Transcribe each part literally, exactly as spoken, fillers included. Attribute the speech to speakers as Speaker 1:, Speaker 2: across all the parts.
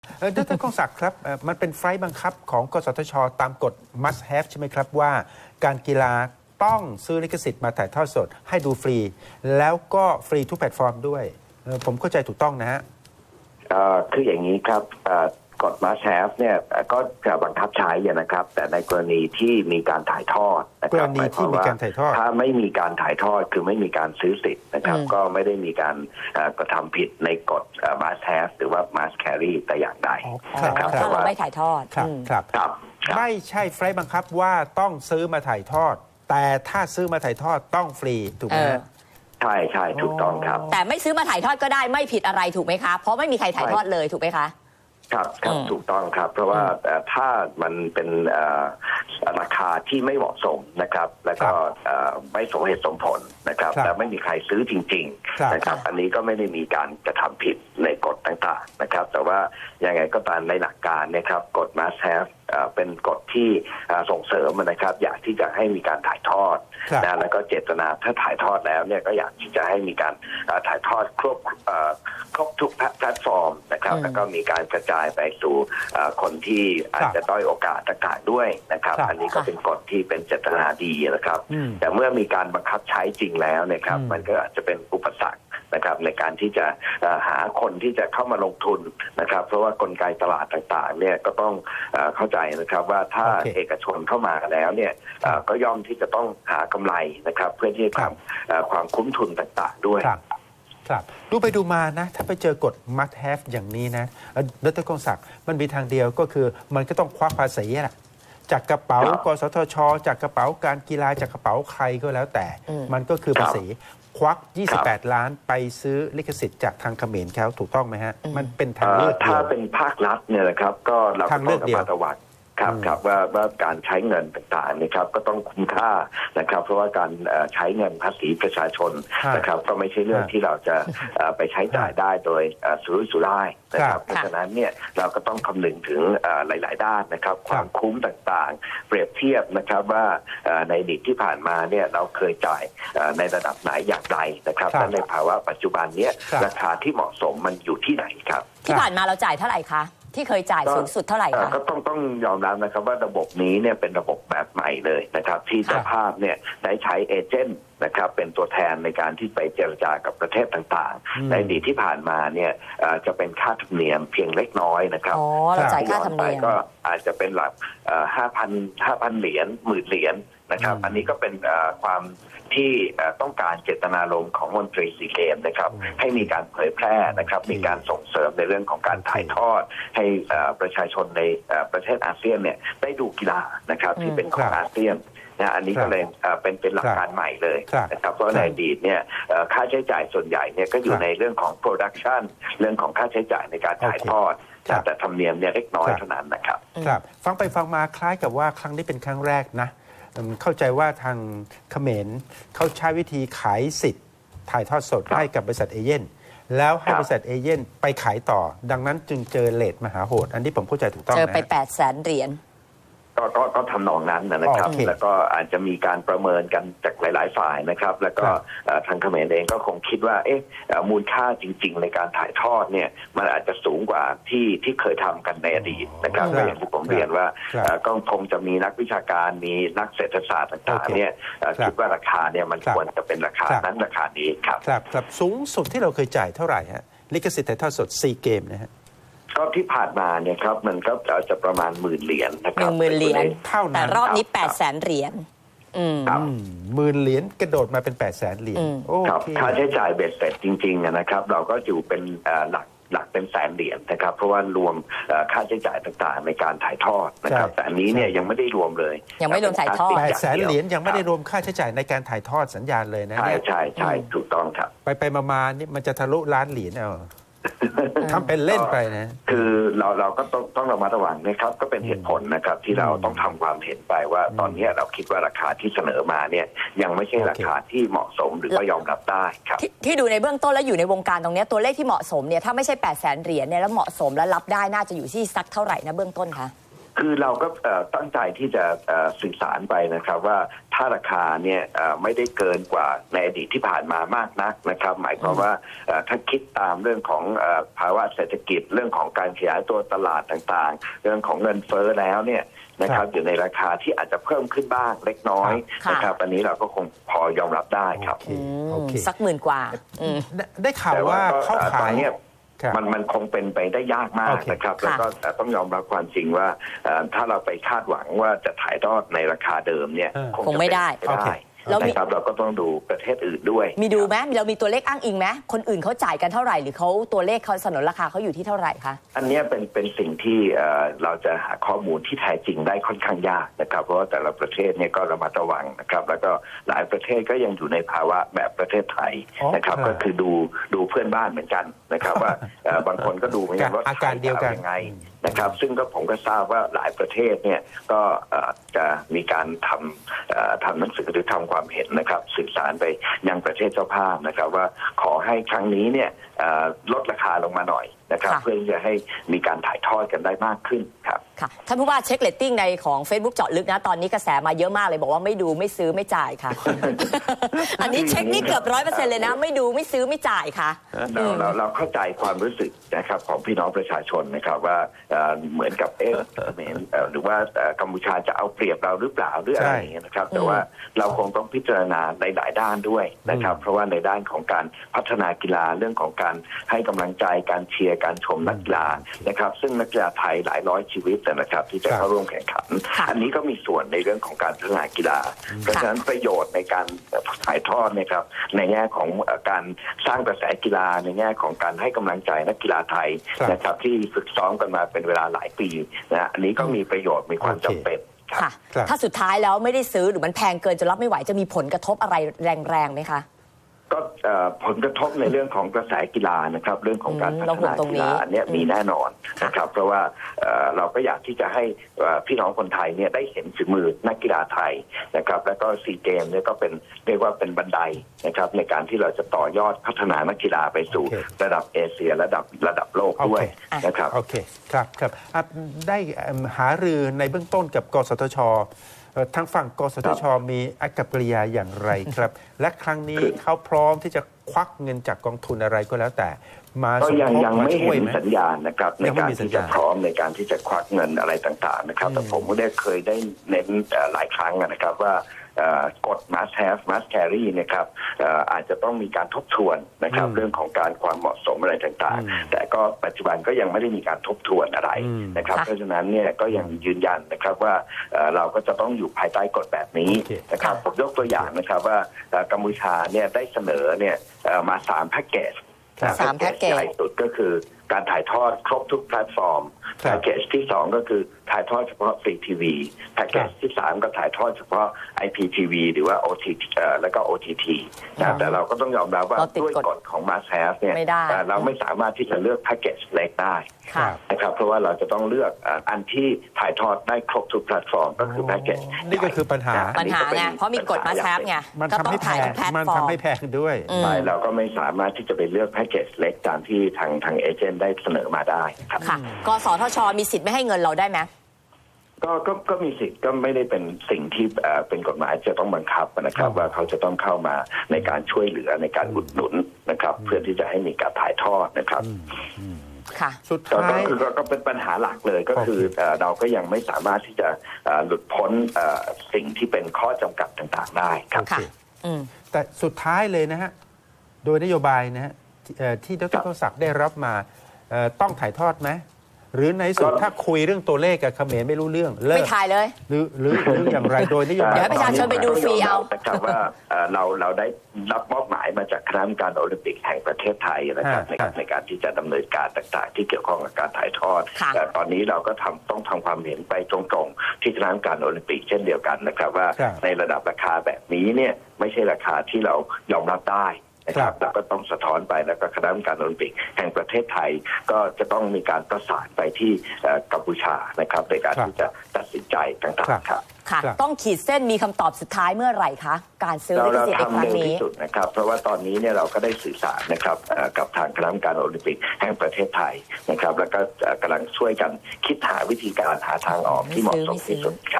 Speaker 1: เออดร.กองศักดิ์ครับเอ่อมันเป็นไฟล์บังคับของกสทช.ตามกฎ must have ใช่ไหมครับว่าการกีฬาต้องซื้อลิขสิทธิ์มาถ่ายทอดสดให้ดูฟรี แล้วก็ฟรีทุกแพลตฟอร์มด้วยเอ่อผมเข้าใจถูกต้องนะฮะ
Speaker 2: เอ่อคืออย่างนี้ครับเอ่อกฎ must have เนี่ยก็จะบังคับใช้นะครับแต่ในกรณีที่มีการถ่ายทอดนะค
Speaker 1: ก
Speaker 2: รั
Speaker 1: ร
Speaker 2: บ
Speaker 1: ณีที่มีการถ่ายทอด
Speaker 2: ถ้าไม่มีการถ่ายทอดคือไม่มีการซื้อสิทธิ์นะครับก็ไม่ได้มีการเอ่อกระทำผิดในกฎเอ่อ must have หรือว่า must carry แต่อย่างใด
Speaker 1: อ๋อ
Speaker 2: นะครับ
Speaker 1: ครั
Speaker 3: ถ้า
Speaker 1: บ
Speaker 3: เราไม่ถ่ายทอด
Speaker 1: ครับ
Speaker 3: อืม
Speaker 1: ครับ
Speaker 2: ครับครับ
Speaker 1: ไม่ใช่ไฟล์บังคับว่าต้องซื้อมาถ่ายทอด แต่ถ้าซื้อมาถ่ายทอดต้องฟรีถูกไหม
Speaker 3: เออ
Speaker 1: ฮะ
Speaker 2: ใช่ใช่ถูกต้องครับ
Speaker 3: แต่ไม่ซื้อมาถ่ายทอดก็ได้ไม่ผิดอะไรถูกไหมคะ เพราะไม่มีใครถ่ายทอดเลยถูกไหมคะ
Speaker 2: ครับครับ
Speaker 3: อืม
Speaker 2: ถูกต้องครับ เพราะว่าเอ่อถ้ามันเป็นเอ่อราคาที่ไม่เหมาะสมนะครับ แล้วก็เอ่อไม่สมเหตุสมผลนะครับ
Speaker 1: ครับ
Speaker 2: และไม่มีใครซื้อจริง
Speaker 1: ครับ
Speaker 2: ๆนะครับ อันนี้ก็ไม่ได้มีการกระทำผิดในกฎต่างๆนะครับ แต่ว่ายังไงก็ตามในหลักการนะครับกฎ must have เอ่อเป็นกฎที่เอ่อส่งเสริมนะครับ อยากที่จะให้มีการถ่ายทอด
Speaker 1: ครับ
Speaker 2: นะแล้วก็เจตนาถ้าถ่ายทอดแล้วเนี่ยก็อยากที่จะให้มีการเอ่อถ่ายทอดครบเอ่อครบทุกแพลตฟอร์มนะครับ
Speaker 3: อืม
Speaker 2: แล้วก็มีการกระจายไปสู่เอ่อคนที่อาจจะด้อยโอกาสต่างๆด้วยนะครับ
Speaker 1: ครับ
Speaker 2: อันนี้ก็เป็นกฎที่เป็นเจตนาดีนะครับ
Speaker 1: อืม
Speaker 2: แต่เมื่อมีการบังคับใช้จริงแล้วนะครับ
Speaker 1: อืม
Speaker 2: มันก็อาจจะเป็นอุปสรรคนะครับในการที่จะเอ่อหาคนที่จะเข้ามาลงทุนนะครับ เพราะว่ากลไกตลาดต่างๆเนี่ยก็ต้องเอ่อเข้าใจนะครับว่าถ้า
Speaker 1: โอเค
Speaker 2: เอกชนเข้ามาแล้วเนี่ยเอ่อก็ย่อมที่จะต้องหากำไรนะครับ เพื่อที่จะทำเอ่อความคุ้มทุนต่างๆด้วย
Speaker 1: ครับครับดูไปดูมานะ ถ้าไปเจอกฎ must have อย่างนี้นะเอ่อดร.กองศักดิ์มันมีทางเดียวก็คือมันก็ต้องควักภาษีแหละจากกระเป๋า
Speaker 2: ครับ
Speaker 1: กสทช จากกระเป๋าการกีฬาจากกระเป๋าใครก็แล้วแต่
Speaker 3: อืม
Speaker 1: มันก็คือ
Speaker 2: ครับ
Speaker 1: ภาษีควัก ยี่สิบแปด ล้านไปซื้อลิขสิทธิ์จากทางเขมรเขาถูกต้องไหมฮะ มันเป็นทาง
Speaker 2: เอ่
Speaker 1: เลื
Speaker 2: อ
Speaker 1: อกเดี
Speaker 2: ถ้า
Speaker 1: ยว
Speaker 2: เป็นภาครัฐเนี่ยนะครับก็เราก็
Speaker 1: ทางเลื
Speaker 2: ต้อ
Speaker 1: อง กเดียว
Speaker 2: ระมัดระวังครับ
Speaker 1: อืม
Speaker 2: ครับว่าว่าการใช้เงินต่างๆนะครับก็ต้องคุ้มค่านะครับ เพราะว่าการเอ่อใช้เงินภาษีประชาชน
Speaker 1: ฮะ
Speaker 2: นะครับก็ไม่ใช่เรื่อง
Speaker 1: ฮะ
Speaker 2: ที่เราจะเอ่อไปใช้จ่ายได้โดยเอ่อสุรุ่ยสุร่ายนะค
Speaker 1: ครั
Speaker 2: รับบ เพราะฉะนั้นเนี่ยเราก็ต้องคำนึงถึงเอ่อหลาย ๆ ด้านนะครับ ความคุ้มต่างๆ เปรียบเทียบนะครับว่าเอ่อในอดีตที่ผ่านมาเนี่ยเราเคยจ่ายเอ่อในระดับไหนอย่างไรนะครับ
Speaker 1: ครับ
Speaker 2: และในภาวะปัจจุบันเนี้ย
Speaker 1: ครับ
Speaker 2: ราคาที่เหมาะสมมันอยู่ที่ไหนครับ
Speaker 3: ที่ผ่านมาเราจ่ายเท่าไหร่คะ ที่เคยจ่ายสูงสุดเท่าไหร่
Speaker 2: เอ่อ
Speaker 3: คะ
Speaker 2: ก็ต้องต้องยอมรับนะครับว่าระบบนี้เนี่ยเป็นระบบแบบใหม่เลยนะครับ ที่เจ้าภาพเนี่ยได้ใช้เอเจนต์นะครับเป็นตัวแทนในการที่ไปเจรจากับประเทศต่าง
Speaker 1: อืม
Speaker 2: ๆ ในอดีตที่ผ่านมาเนี่ยเอ่อจะเป็นค่าธรรมเนียมเพียงเล็กน้อยนะครับ
Speaker 3: อ๋อ เราจ่ายค่าธรรมเนียม
Speaker 2: ก็อาจจะเป็นหลักห้าพันห้าพันเหรียญหมื่นเหรียญนะครับ
Speaker 1: อืม
Speaker 2: อันนี้ก็เป็นเอ่อความที่เอ่อต้องการเจตนารมณ์ของมนตรีซีเกมนะครับ
Speaker 1: อืม
Speaker 2: ให้มีการเผยแพร่นะครับ
Speaker 1: โอเค
Speaker 2: มีการส่งเสริมในเรื่องของการถ่ายทอด ให้เอ่อประชาชนในเอ่อประเทศอาเซียนเนี่ยได้ดูกีฬานะครับที่เป็นของอาเซียนนะอันนี้ก็เลยเอ่อเป็นเป็นหลักการใหม่เลย
Speaker 1: ครับ
Speaker 2: นะครับเพราะ
Speaker 1: ครับ
Speaker 2: ในอดีตเนี่ยเอ่อค่าใช้จ่ายส่วนใหญ่เนี่ยก็อยู่
Speaker 1: ครับ
Speaker 2: ในเรื่องของโปรดักชันเรื่องของค่าใช้จ่ายในการถ่าย
Speaker 1: โอเค
Speaker 2: ทอด
Speaker 1: ครับ
Speaker 2: แต่ธรรมเนียมเนี่ยเล็กน้อย
Speaker 1: ครับ
Speaker 2: เท่านั้นนะครับ
Speaker 1: ครับฟังไปฟังมาคล้ายกับว่าครั้งนี้เป็นครั้งแรกนะอืมเข้าใจว่าทางเขมรเขาใช้วิธีขายสิทธิ์ถ่ายทอดสด
Speaker 2: ครับ
Speaker 1: ให้กับบริษัทเอเย่นแล้วให้
Speaker 2: ครับ
Speaker 1: บริษัทเอเย่นไปขายต่อ ดังนั้นจึงเจอเลทมหาโหด อันนี้ผมเข้าใจถูกต้อง
Speaker 3: เจอ
Speaker 1: นะ
Speaker 3: ไป
Speaker 1: ฮะ
Speaker 3: แปดแสนเหรียญ
Speaker 2: ก็ก็ก็ทำนองนั้นนะครับ
Speaker 1: โอเค
Speaker 2: แล้วก็อาจจะมีการประเมินกันจากหลาย ๆ ฝ่ายนะครับ แล้วก็
Speaker 1: ครับ
Speaker 2: เอ่อทางเขมรเองก็คงคิดว่าเอ๊ะเอ่อมูลค่าจริง ๆ ในการถ่ายทอดเนี่ยมันอาจจะสูงกว่าที่ที่เคยทำกันในอดีตนะครับ
Speaker 1: ครับ
Speaker 2: ก็อย่างที่ผมเรียนว่า
Speaker 1: ครับ
Speaker 2: เอ่อก็คงจะมีนักวิชาการมีนักเศรษฐศาสตร์ต่าง
Speaker 1: โอเค
Speaker 2: ๆเนี่ยเอ่อ
Speaker 1: ครับ
Speaker 2: คิดว่าราคาเนี่ยมัน
Speaker 1: ครับ
Speaker 2: ควรจะเป็นราคา
Speaker 1: ครับ
Speaker 2: นั้นราคานี้ครับ
Speaker 1: ครับครับสูงสุดที่เราเคยจ่ายเท่าไหร่ฮะลิขสิทธิ์ถ่ายทอดสดซีเกมนะฮะ
Speaker 2: ก็ที่ผ่านมาเนี่ยครับมันก็จะประมาณหมื่นเหรียญนะค
Speaker 3: ห
Speaker 2: รับ
Speaker 3: นึ่งหมื่นเหรียญ
Speaker 1: เท่านั้น
Speaker 3: แต่รอบนี้
Speaker 2: ครับ
Speaker 3: แปดแสนเหรียญ อืม
Speaker 2: ครับ
Speaker 1: หมื่นเหรียญกระโดดมาเป็นแปดแสนเหรียญ
Speaker 3: อืม
Speaker 1: โอ
Speaker 2: ครับ
Speaker 1: เค
Speaker 2: ค่าใช้จ่ายเบ็ดเสร็จจริงๆนะครับ เราก็อยู่เป็นเอ่อหลักหลักเป็นแสนเหรียญนะครับ เพราะว่ารวมเอ่อค่าใช้จ่ายต่างๆ ในการถ่ายทอดนะครับ
Speaker 1: ใช่
Speaker 2: แต่อันนี้เนี่ยยังไม่ได้รวมเลย
Speaker 3: ยังไม่รวมถ่ายทอด
Speaker 1: แปดแสนเหรียญยังไม่ได้รวมค่าใช้จ่ายในการถ่ายทอดสัญญาณเลยนะ
Speaker 2: ใช่
Speaker 1: เนี่ย
Speaker 2: ใช่ใช่ถูกต้องครับ
Speaker 1: ไปไปมามานี่มันจะทะลุล้านเหรียญเอาทำเป็นเล่นไปนะ
Speaker 2: คือเราเราก็ต้องต้องระมัดระวังนะครับก็เป็นเหตุผลนะครับที่เราต้องทำความเห็นไปว่าตอนนี้เราคิดว่าราคาที่เสนอมาเนี่ยยังไม่ใช่ราคาที่เหมาะสมหรือว่ายอมรับได้ครับ
Speaker 3: ที่ที่ดูในเบื้องต้นแล้วอยู่ในวงการตรงเนี้ยตัวเลขที่เหมาะสมเนี่ยถ้าไม่ใช่แปดแสนเหรียญเนี่ยแล้วเหมาะสมและรับได้น่าจะอยู่ที่สักเท่าไหร่นะเบื้องต้นคะ
Speaker 2: คือเราก็เอ่อตั้งใจที่จะเอ่อสื่อสารไปนะครับว่าถ้าถ้าราคาเนี่ยไม่ได้เกินกว่าในอดีตที่ผ่านมามากนักนะครับหมายความว่าถ้าคิดตามเรื่องของภาวะเศรษฐกิจเรื่องของการขยายตัวตลาดต่างๆเรื่องของเงินเฟ้อแล้วเนี่ยนะครับอยู่ในราคาที่อาจจะเพิ่มขึ้นบ้างเล็กน้อยนะครับอันนี้เราก็คงพอยอมรับได้ครับ
Speaker 1: โอเค
Speaker 3: สักหมื่นกว่า
Speaker 1: ได้ได้ข่าวว่าเข้าขาย
Speaker 2: มันมันคงเป็นไปได้ยากมากนะครับแล้วก็ต้องยอมรับความจริงว่าถ้าเราไปคาดหวังว่าจะถ่ายทอดในราคาเดิมเนี่ย
Speaker 3: คงไม่ได้
Speaker 2: นะครับเราก็ต้องดูประเทศอื่นด้วย
Speaker 3: มีดูไหมเรามีตัวเลขอ้างอิงไหมคนอื่นเขาจ่ายกันเท่าไหร่หรือเขาตัวเลขเขาสนนราคาเขาอยู่ที่เท่าไหร่คะ
Speaker 2: อันนี้เป็นเป็นสิ่งที่เราจะหาข้อมูลที่แท้จริงได้ค่อนข้างยากนะครับเพราะว่าแต่ละประเทศเนี่ยก็ระมัดระวังนะครับแล้วก็หลายประเทศก็ยังอยู่ในภาวะแบบประเทศไทยนะครับก็คือดูดูเพื่อนบ้านเหมือนกันนะครับว่าบางคนก็ดูเหมือนกันว่า
Speaker 1: อาการเดียวกัน
Speaker 2: ยังไงนะครับซึ่งก็ผมก็ทราบว่าหลายประเทศเนี่ยก็จะมีการทำทำหนังสือหรือทำความเห็นนะครับสื่อสารไปยังประเทศเจ้าภาพนะครับว่าขอให้ครั้งนี้เนี่ยลดราคาลงมาหน่อยนะครับเพื่อที่จะให้มีการถ่ายทอดกันได้มากขึ้นครับ
Speaker 3: ค่ะท่านผู้ว่าเช็คเรตติ้งในของ Facebook เจาะลึกนะตอนนี้กระแสมาเยอะมากเลยบอกว่าไม่ดูไม่ซื้อไม่จ่ายค่ะ อันนี้เช็คนี่เกือบร้อยเปอร์เซ็นต์เลยนะไม่ดูไม่ซื้อไม่จ่ายค่ะ
Speaker 2: เราเราเราเข้าใจความรู้สึกนะครับของพี่น้องประชาชนนะครับว่าเหมือนกับเอ๊ะหรือว่ากัมพูชาจะเอาเปรียบเราหรือเปล่าหรืออะไรอย่างเงี้ยนะครับแต่ว่าเราคงต้องพิจารณาในหลายด้านด้วยนะครับเพราะว่าในด้านของการพัฒนากีฬาเรื่องของการให้กำลังใจการเชียร์การชมนักกีฬานะครับซึ่งนักกีฬาไทยหลายร้อยชีวิตนะครับที่จะเข้าร่วมแข่งขันอันนี้ก็มีส่วนในเรื่องของการพัฒนากีฬาเพราะฉะนั้นประโยชน์ในการถ่ายทอดนะครับในแง่ของการสร้างกระแสกีฬาในแง่ของการให้กำลังใจนักกีฬาไทยนะครับที่ฝึกซ้อมกันมาเป็นเวลาหลายปีนะอันนี้ก็มีประโยชน์มีความจำเป็น
Speaker 3: ค่ะถ้าสุดท้ายแล้วไม่ได้ซื้อหรือมันแพงเกินจนรับไม่ไหวจะมีผลกระทบอะไรแรงๆไหมคะ
Speaker 2: ก็ผลกระทบในเรื่องของกระแสกีฬานะครับเรื่องของการพัฒนากีฬาเนี่ยมีแน่นอนนะครับเพราะว่าเราก็อยากที่จะให้พี่น้องคนไทยเนี่ยได้เห็นฝีมือนักกีฬาไทยนะครับแล้วก็ซีเกมเนี่ยก็เป็นเรียกว่าเป็นบันไดนะครับในการที่เราจะต่อยอดพัฒนานักกีฬาไปสู่ระดับเอเชียระดับระดับโลกด้วยนะครับ
Speaker 1: โอเคครับครับได้หารือในเบื้องต้นกับกสทช.ทางฝั่งกสทช.มีอากัปกิริยาอย่างไรครับ และครั้งนี้เขาพร้อมที่จะควักเงินจากกองทุนอะไรก็แล้วแต่มาสมทบมาช่วยไหม
Speaker 2: สัญญาณนะครับในการที่จะพร้อมในการที่จะควักเงินอะไรต่างๆนะครับแต่ผมก็ได้เคยได้เน้นหลายครั้งนะครับว่ากฎ must have must carry นะครับอาจจะต้องมีการทบทวนนะครับเรื่องของการความเหมาะสมอะไรต่างๆแต่ก็ปัจจุบันก็ยังไม่ได้มีการทบทวนอะไรนะครับเพราะฉะนั้นเนี่ยก็ยังยืนยันนะครับว่าเราก็จะต้องอยู่ภายใต้กฎแบบนี้นะครับผมยกตัวอย่างนะครับว่ากัมพูชาเนี่ยได้เสนอเนี่ยมาสามแพ็กเกจ
Speaker 3: สามแพ็กเกจ
Speaker 2: ใหญ่สุดก็คือการถ่ายทอดครบทุกแพลตฟอร์มแพ็กเกจที่สองก็คือถ่ายทอดเฉพาะฟรีทีวีแพ็กเกจที่สามก็ถ่ายทอดเฉพาะ ไอ พี ที วี หรือว่า โอ ที ที แล้วก็ โอ ที ที นะแต่เราก็ต้องยอมรับว่าด้วยกฎของ Must Have เนี่ยเราไม่สามารถที่จะเลือกแพ็กเกจเล็กได้นะครับเพราะว่าเราจะต้องเลือกอันที่ถ่ายทอดได้ครบทุกแพลตฟอร์มก็คือแพ็กเกจ
Speaker 1: นี่ก็คือปัญหา
Speaker 3: ปัญหาไงเพราะมีกฎ Must Have ไง
Speaker 1: มันทำให้แพงมันทำให้แพงด้วย
Speaker 2: เราก็ไม่สามารถที่จะไปเลือกแพ็กเกจเล็กตามที่ทางทางเอเจนต์ได้เสนอมาได้ครับ
Speaker 3: ค่ะกสทช.มีสิทธิ์ไม่ให้เงินเราได้ไหม
Speaker 2: ก็ก็ก็มีสิทธิ์ก็ไม่ได้เป็นสิ่งที่เป็นกฎหมายจะต้องบังคับนะครับว่าเขาจะต้องเข้ามาในการช่วยเหลือในการอุดหนุนนะครับเพื่อที่จะให้มีการถ่ายทอดนะครับ
Speaker 3: ค่ะ
Speaker 1: สุดท้าย
Speaker 2: ก็คือก็เป็นปัญหาหลักเลยก็คือเราก็ยังไม่สามารถที่จะหลุดพ้นสิ่งที่เป็นข้อจำกัดต่างๆได้ครับ
Speaker 1: แต่สุดท้ายเลยนะฮะโดยนโยบายนะฮะที่ดร.ศักดิ์ได้รับมาต้องถ่ายทอดไหมหรือในสุดถ้าคุยเรื่องตัวเลขกับเขมรไม่รู้เรื่องเลิก
Speaker 3: ไม่ถ่ายเลย
Speaker 1: หรือหรือหรืออย่างไรโดยนโยบาย
Speaker 3: เดี๋ยวประชาชนไปดูฟรีเอา
Speaker 2: แต่ว่าเราเราได้รับมอบหมายมาจากคณะกรรมการโอลิมปิกแห่งประเทศไทยนะครับในการในการที่จะดำเนินการต่างๆที่เกี่ยวข้องกับการถ่ายทอดแต่ตอนนี้เราก็ทำต้องทำความเห็นไปตรงๆที่คณะกรรมการโอลิมปิกเช่นเดียวกันนะครับว่าในระดับราคาแบบนี้เนี่ยไม่ใช่ราคาที่เรายอมรับได้นะครับแล้วก็ต้องสะท้อนไปแล้วก็คณะกรรมการโอลิมปิกแห่งประเทศไทยก็จะต้องมีการประสานไปที่กัมพูชานะครับในการที่จะตัดสินใจต่างๆครับ
Speaker 3: ค่ะต้องขีดเส้นมีคำตอบสุดท้ายเมื่อไหร่คะการซื้อลิขสิทธิ์ในครั้งนี้
Speaker 2: ที่สุดนะครับเพราะว่าตอนนี้เนี่ยเราก็ได้สื่อสารนะครับกับทางคณะกรรมการโอลิมปิกแห่งประเทศไทยนะครับแล้วก็กำลังช่วยกันคิดหาวิธีการหาทางออกที่เหมาะสมที่สุดครับ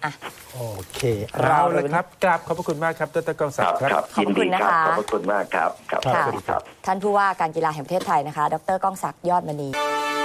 Speaker 3: อ่ะ
Speaker 1: โอเคเอาเลยครับกราบขอบพระคุณมากครับดรกองศักดิ์ครับ
Speaker 2: ครับ
Speaker 3: ขอบ
Speaker 2: ยิน
Speaker 3: คุ
Speaker 2: ดี
Speaker 3: ณนะ
Speaker 2: ครั
Speaker 3: คะ
Speaker 2: ขอบพระคุณมากครับครับ
Speaker 1: ครับ
Speaker 2: สวัสดีครับ
Speaker 3: ท่านผู้ว่าการกีฬาแห่งประเทศไทยนะคะ ดรก้องศักดิ์ยอดมณี